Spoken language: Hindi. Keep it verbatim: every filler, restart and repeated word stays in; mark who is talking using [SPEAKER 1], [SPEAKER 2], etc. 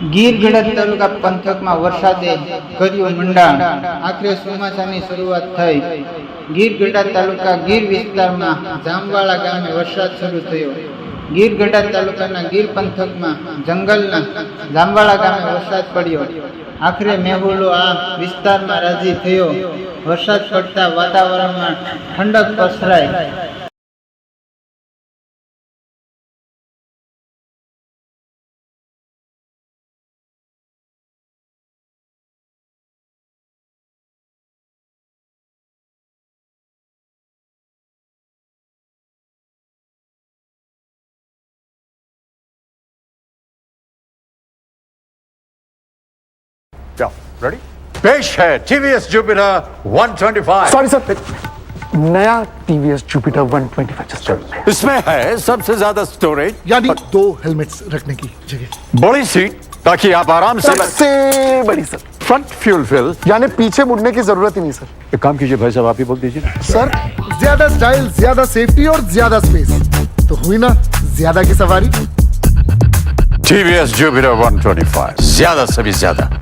[SPEAKER 1] ગીર ગઢડા તાલુકા પંથકમાં વરસાદે કર્યું મંડાણ. આખરે ચોમાસાની શરૂઆત થઈ. ગીર ગઢડા તાલુકા ગીર વિસ્તારમાં જામવાળા ગામે વરસાદ શરૂ થયો. ગીર ગઢડા તાલુકાના ગીર પંથકમાં જંગલના જામવાળા ગામે વરસાદ પડ્યો. આખરે મેહુલો આ વિસ્તારમાં રાજી થયો. વરસાદ પડતા વાતાવરણમાં ઠંડક પસરાઈ.
[SPEAKER 2] रेडी? पेश है TVS Jupiter one twenty five.
[SPEAKER 3] Sorry sir, नया TVS Jupiter one twenty five just चल रहा है।
[SPEAKER 2] इसमें है सबसे ज्यादा स्टोरेज,
[SPEAKER 4] यानी दो हेलमेट्स रखने की जगह,
[SPEAKER 2] बड़ी सीट ताकि आप आराम से
[SPEAKER 3] सबसे बड़ी सर,
[SPEAKER 2] फ्रंट फ्यूल फिल.
[SPEAKER 3] यानी पीछे मुड़ने की जरूरत ही नहीं सर।
[SPEAKER 2] एक काम कीजिए भाई साहब, आप ही बोल दीजिए.
[SPEAKER 4] सर ज्यादा स्टाइल, ज्यादा सेफ्टी और ज्यादा स्पेस, तो हुई ना ज्यादा की सवारी.
[SPEAKER 2] TVS Jupiter one twenty five, ज्यादा से भी ज्यादा.